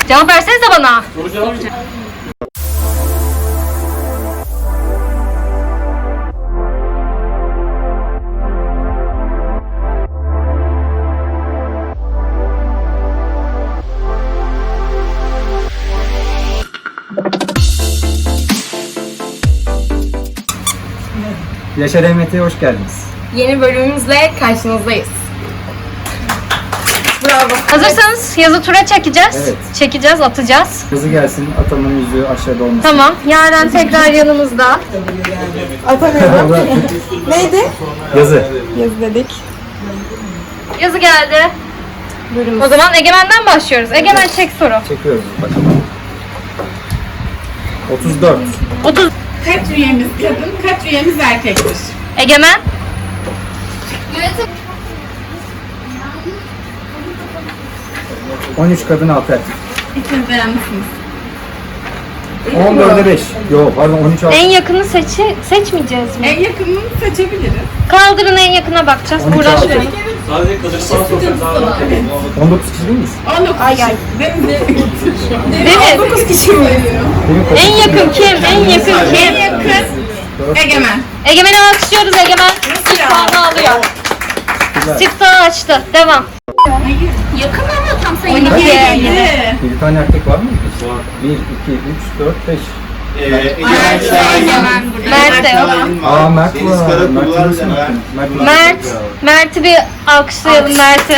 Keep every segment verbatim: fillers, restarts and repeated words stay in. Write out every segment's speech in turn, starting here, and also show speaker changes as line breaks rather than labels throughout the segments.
Cevap versenize bana.
Soru cevap.
Yaşar E M T'ye hoş geldiniz.
Yeni bölümümüzle karşınızdayız. Bravo. Hazırsanız yazı tura çekeceğiz.
Evet.
Çekeceğiz, atacağız.
Hızı gelsin, atamın yüzüğü aşağıda olmasın.
Tamam. Yaren tekrar yanımızda.
Atamıyorum. Neydi?
Yazı.
Yazı dedik.
Yazı geldi. O zaman Egemen'den başlıyoruz. Egemen çek soru.
Çekiyoruz bakalım. otuz dört.
otuz.
Kaç üyemiz kadın, kaç üyemiz erkektir?
Egemen.
on üç kadın altı erkek.
İkiniz de yanlışsınız.
on dörde beş. Yok pardon on üç altı.
En yakını seçi seçmeyeceğiz mi?
En yakınını seçebiliriz.
Kaldırın, en yakına bakacağız.
on üç
Uğraşmayalım.
Sadece kadın sana sorsak daha rahat olur.
on dokuz kişi değil miyiz?
on dokuz ay ay.
Deniz.
dokuz kişi mi?
En yakın kim? En yakın
En
kim?
yakın Egemen.
Egemen'i alkışlıyoruz. Egemen ilk puanı alıyor. Siftahı açtı. Devam.
Yakın ama tam sayı.
on iki.
Bir tane erkek var mı? bir, iki, üç, dört, beş.
Ee, Egemen
Mert de yok.
Aa Mert
Deniz
var.
Karakullar
Mert nasıl
Levent.
unuttun? Mert.
Mert. Mert'i bir alkışlayalım Mert'i.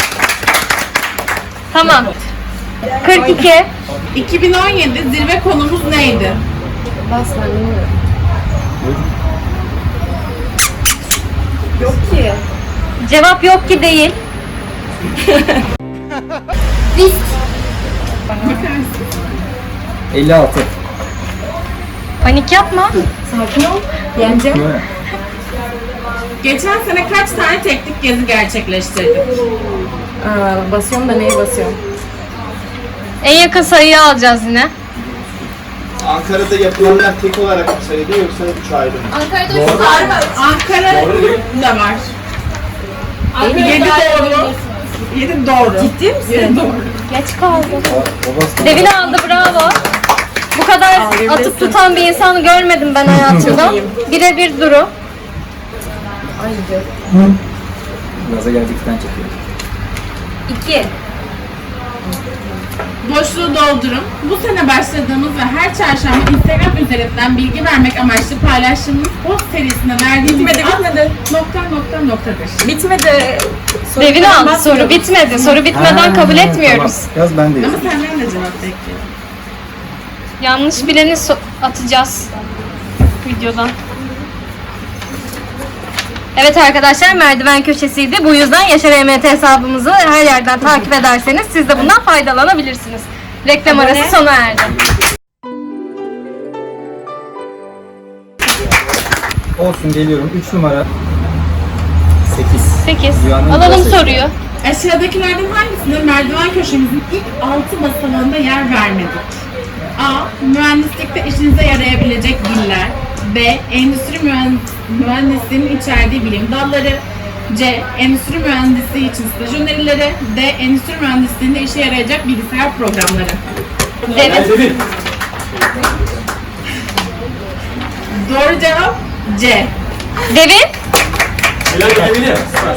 Tamam. kırk iki.
iki bin on yedi zirve konumuz neydi?
Cevap yok ki değil.
elli altı.
Panik yapma.
Değil mi?
Geçen sene kaç tane teknik gezi gerçekleştirdik?
Aa, basıyorum da neye basıyorum?
En yakın sayıyı alacağız yine.
Ankara'da yapılanlar tek olarak mı sayılıyor yoksa üç ayrı mı?
Ankara da var. yedi doğru. yedi doğru.
Ciddi misin?
yedi doğru.
Geç kaldı.
O bastı.
Devin aldı, bravo. Bu kadar atıp tutan bir insanı görmedim ben hayatımda. Birebir duru.
Gaza geldikten çekiyor.
iki.
Boşluğu doldurun. Bu sene başladığımız ve her çarşamba Instagram üzerinden bilgi vermek amaçlı paylaştığımız post serisine verdiğimiz
Bitmedi,
ad
bitmedi.
nokta nokta noktadır.
Bitmedi.
Devin aldı. Soru bitmedi. Soru bitmeden
Ha,
kabul etmiyoruz.
Tamam. Yaz ben de
Ama
yazayım.
senden de cevap bekliyorum.
Yanlış bileni so- atacağız videodan. Evet arkadaşlar, merdiven köşesiydi. Bu yüzden Yaşar E M T hesabımızı her yerden takip ederseniz siz de bundan faydalanabilirsiniz. Reklam arası sona erdi.
Olsun geliyorum. üç numara. sekiz.
sekiz.
Dünyanın
Alalım
sekiz.
soruyu.
Aşağıdakilerden hangisinde merdiven köşemizin ilk altı basamağında yer vermedik? A. Mühendislikte işinize yarayabilecek diller. B. Endüstri mühend- mühendisliğinin içerdiği bilim dalları. C. Endüstri mühendisliği için staj önerileri. D. Endüstri mühendisliğinde işe yarayacak bilgisayar programları.
Devin.
Devin.
Doğru cevap C.
Devin.
Helal Devin'e.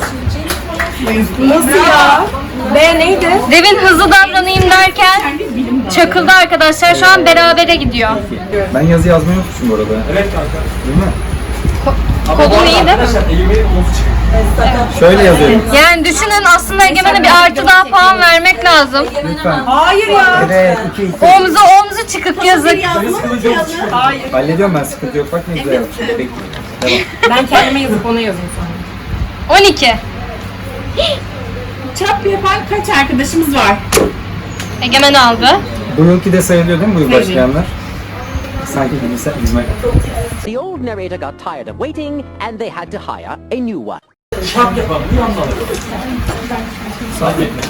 Nasıl ya? B neydi?
Devin hızlı davranayım derken
Kendi bilim dalı.
çakıldı arkadaşlar. Şu an berabere gidiyor.
Ben yazı yazmayı unutmuşum bu arada.
Evet kanka.
Değil mi?
Ama
Kodun
bu arada
iyi değil mi?
arkadaşlar elimin omuz çıkıyor.
Şöyle yazıyorum.
Yani düşünün, aslında Egemen'e bir artı daha puan vermek lazım.
Lütfen.
Hayır ya.
Evet. iki iki.
Omzu omzu çıkık yazık.
Deniz kılıcı omuz çıkıyor.
Hayır.
Hallediyorum ben, sıkıntı yok. Bak ne güzel yapmışım. Peki. Devam.
Ben kendime yazıp ona yazayım sonra.
on iki.
Çap yapan kaç arkadaşımız var?
Egemen aldı.
Bu yılki de sayılıyor değil mi bu yıl
Sayılıyor.
başlayanlar? Sanki bilgisayar hizmet.
The old narrator got tired of waiting and they had to hire a new one.
Şap yapalım. Bir yandan alalım. Sadece etmek.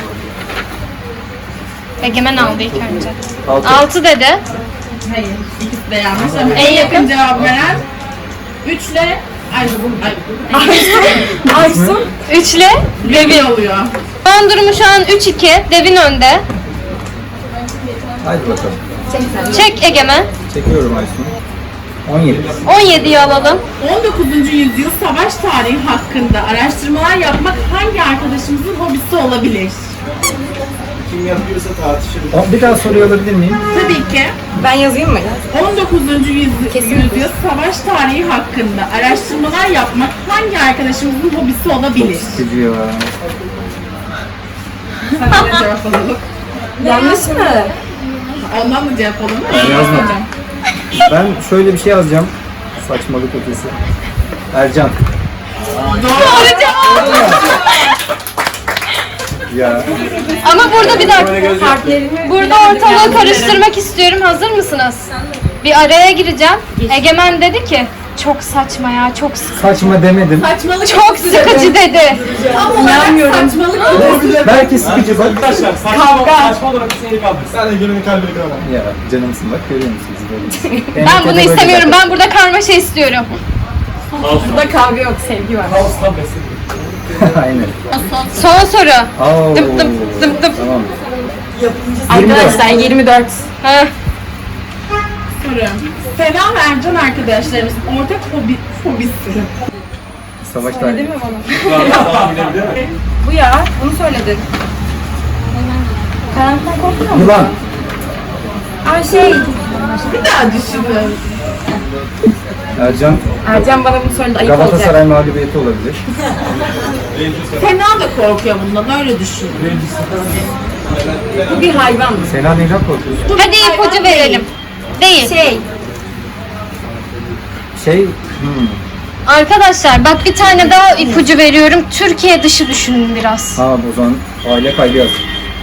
Egemen aldı ilk önce.
Altı.
altı dedi.
Hayır. İkisi de yanlış ama
En
en yakın
yakın?
cevap veren üçle Aysun. Ay,
Aysun.
üçle
Devin oluyor.
Son durumu şu an üç iki. Devin önde.
Haydi bakalım.
Çek Egemen.
Çekiyorum Aysun. on yedi.
on yediyi alalım.
on dokuzuncu yüzyıl savaş tarihi hakkında araştırmalar yapmak hangi arkadaşımızın hobisi olabilir?
Kim yapıyorsa tartışırız.
O- Bir daha soruyu alabilir miyim?
Tabii ki
Ben yazayım mı?
on dokuzuncu yüzyıl, yüzyıl savaş tarihi hakkında araştırmalar yapmak hangi arkadaşımızın hobisi olabilir?
Sıkıcı ya.
Sana da cevap alalım.
Yanlış mı?
Ondan da cevap alalım.
Ben yazmadım. Ben şöyle bir şey yazacağım. Saçmalık ötesi. Ercan.
Doğru cevap.
Ya.
Ama burada bir dakika. Burada ortalığı karıştırmak istiyorum. Hazır mısınız? Bir araya gireceğim. Egemen dedi ki çok saçma ya, çok sıkıcı.
Saçma demedim.
Saçmalık.
Çok sıkıcı dedi.
Tam olarak saçmalık.
Belki sıkıcı bak.
Arkadaşlar saçma, saçma olarak seni kaldır.
Sen de gününü kalbini kıramam.
Ya canımsın bak görüyor musunuz böyle.
Ben bunu istemiyorum. Ben burada karmaşa istiyorum.
Burada kavga yok, sevgi var.
Kaosla besledim.
Aynen.
Son soru.
Oo.
Dıp dıp dıp dıp.
Tamam.
Arkadaşlar yirmi dört.
Heh.
Soru. Sena ve Ercan arkadaşlarımızın ortak hobi, hobisi.
Savaş tarihi.
Tahmin edebilir miyim?
Bu ya, bunu söyledin. Karanlıktan korkmuyor musun?
Yılan.
Aa şey,
Bir daha düşünün.
Ercan.
Ercan bana bunu söyledi, ayıp olacak.
Galatasaray mağlubiyeti olabilir.
Sena da korkuyor bundan, öyle düşünün.
Bu bir hayvan.
Sena neyden korkuyorsun?
Hadi ipucu verelim. Değil.
Şey,
Şey. Hmm.
Arkadaşlar bak bir tane daha ipucu veriyorum. Türkiye dışı düşünün biraz.
Ha o zaman aile kaybı yaz.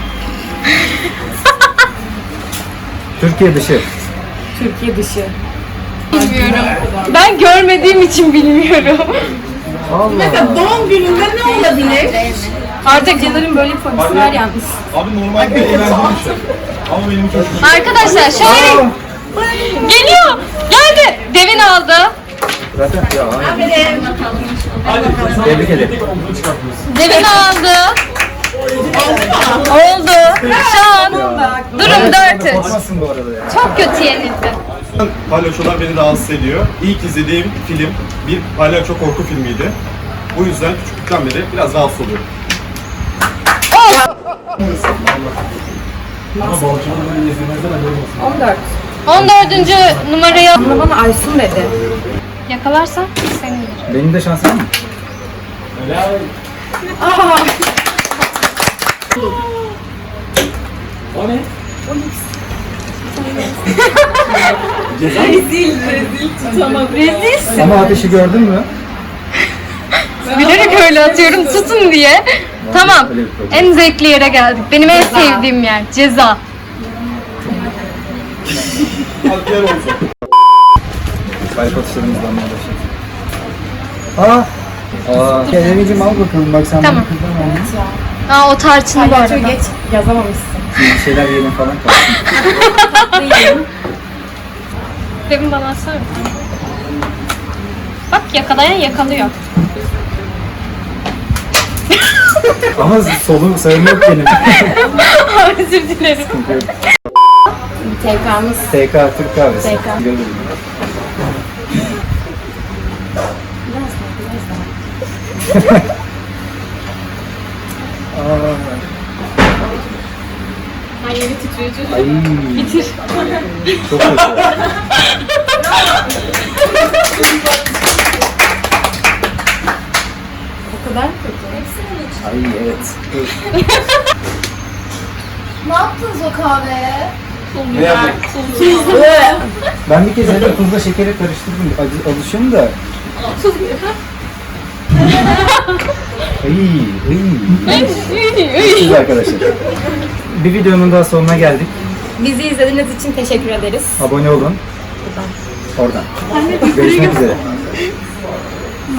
Türkiye dışı.
Türkiye dışı.
Bilmiyorum. Ben görmediğim için bilmiyorum.
Allah.
Mesela doğum gününde ne olabilir?
Artık Caner'in böyle bir fobisi var yalnız.
Abi normal bir eğlenceli bir şey. Ama benim çok
Arkadaşlar şöyle geliyor. Geldi. Devin aldı.
Zaten ya. aynen.
Aferin.
Hadi.
Tebrik ederim.
Olduğunu çıkartıyorsun.
Devin aldı. Oldu. Şu an durum dört üç.
Korkmazsın bu arada ya.
Çok kötü yenildi.
Palyaçolar beni rahatsız ediyor. İlk izlediğim film bir palyaço korku filmiydi. Bu yüzden küçüklükten beri biraz rahatsız oluyorum.
Ama balçalarını izlemezden haberim olsun.
on dört.
on dördüncü numarayı
Bana bana Aysun dedi.
yakalarsan senindir.
Benim de şansım mı?
Helal. O ne?
Rezilsin.
Ama ateşi gördün mü?
Bilerek öyle atıyorum tutun diye. Tamam.
Öyle bir problem.
En zevkli yere geldik. Benim en sevdiğim yer. Ceza.
Hadi diğer olsun.
Kalp atışlarımızdan mı başlayalım? Aa! Aa! Kerem'ciğim al bakalım bak sen
Tamam.
bunu kullanmadın.
Aa o tarçın bu
Palyaço
arada.
geç yazamamışsın.
Bir şeyler yiyelim falan kalsın.
Devin bana atsana bir tane. Bak yakalayan yakalıyor.
Ama solum sayım yok benim.
Özür dilerim.
T K'mız.
T K Türk kahvesi.
T K.
Görürüm. Aa. Ay. Bitir. Çok kötü.
O kadar kötü.
Ay evet. Dur.
Ne yaptınız o kahveye?
Ne yapayım?
Ben bir kez evde tuzla şekeri karıştırdım. Acı, alışım da. Ay, ay. Siz arkadaşlar. Bir videonun daha sonuna geldik.
Bizi izlediğiniz için teşekkür ederiz.
Abone olun. Oradan. Görüşmek üzere.